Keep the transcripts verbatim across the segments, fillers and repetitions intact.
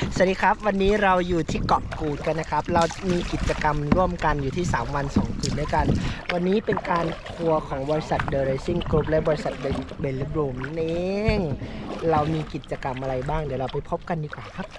สวัสดีครับวันนี้เราอยู่ที่เกาะกูดกันนะครับเรามีกิจกรรมร่วมกันอยู่ที่สามวันสองคืนด้วยกันวันนี้เป็นการทัวร์ของบริษัท The Racing Group และบริษัท Velodrome นั่นเองเรามีกิจกรรมอะไรบ้างเดี๋ยวเราไปพบกันดีกว่าครับ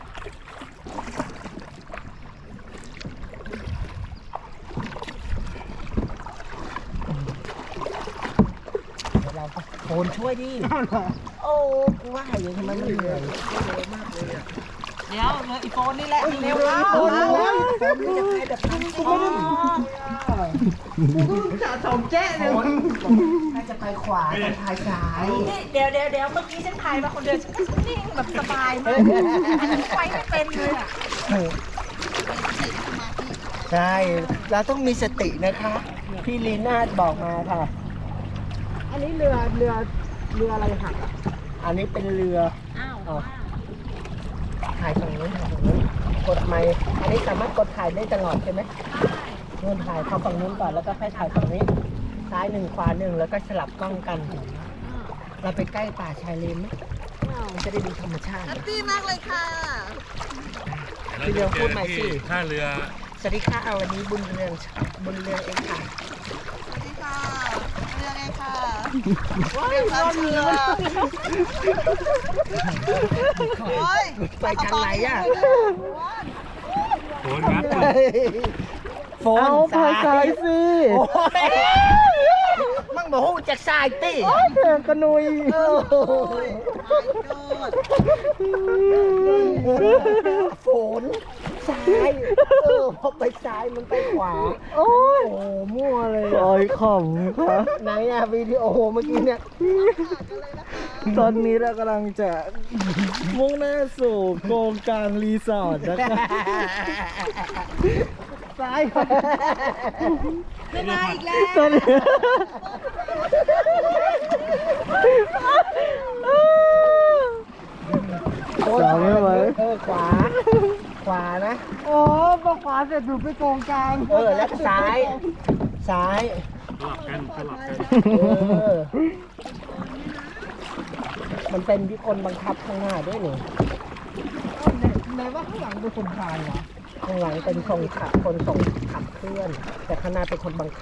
เดี๋ยวเราโอนช่วยดิโอ้กูว่าอย่างทำไมมันเหนื่อยเร็วมากเลยอ่ะเดี๋ยวเลยอีโฟนนี่แหละเร็วแล้วโอนแล้วผมไม่จะไปแบบนั้นกูไม่ได้กูจะสองแจ้เลยถ้าจะไปขวาจะพายซ้ายนี่เดี๋ยวเดี๋ยวเดี๋ยวเมื่อกี้ฉันถ่ายมาคนเดียวฉันก็นิ่งแบบสบายมากไปไม่เป็นเลยอ่ะใช่เราต้องมีสตินะคะพี่ลีน่าบอกมาค่ะอันนี้เรือเรือเรืออะไรหักอ่ะอันนี้เป็นเรืออ้าวอ๋อถ่ายตรงนี้ถ่ายตรงนี้กดไมค์อันนี้สามารถกดถ่ายได้ตลอดใช่ไหมเงื่อนถ่ายเข้าฝั่งนู้นก่อนแล้วก็ค่อยถ่ายฝั่งนี้ซ้ายหนึ่งขวาหนึ่งแล้วก็สลับกล้องกันเราไปใกล้ป่าชายเลนไหมมันจะได้ดูธรรมชาติแฮปปี้มากเลยค่ะพี่เรืองพูดใหม่สิท่าเรือสวัสดีค่ะวันนี้บุญเรืองบุญเรืองเองค่ะสวัสดีค่ะเรื่องไงค่ะเรื่องความเชื่อโอ้ยไปทางไหนอ่ะโหนครับโฟนสายสิโอ้ยมั่งบอกว่าจากสายติเถื่อนกระนุยโฟนซ้ายเออพอไปซ้ายมันไปขวาโอ้ยมั่วเลยโอ้ยขำครับไหนอะวิดีโอเมื่อกี้เนี่ยตอนนี้เรากำลังจะมุ่งหน้าสู่โกงกลางรีสอร์ทนะครับซ้ายไม่มาอีกแล้วตอนนี้สาวไม่ไหวเออขวา ขวานะโอ้พอขวาเสร็จดูไปโกงกลางเออแล้วซ้าย ซ้ายสลับกันสลับกันเออมันเป็นที่คนบังคับข้างหน้าด้วยนี่ไหนว่าข้างหลังเป็นคนพายวะข้างหลังเป็นคนขับคนส่งขับเคลื่อน แต่ข้างหน้าเป็นคนบังคับ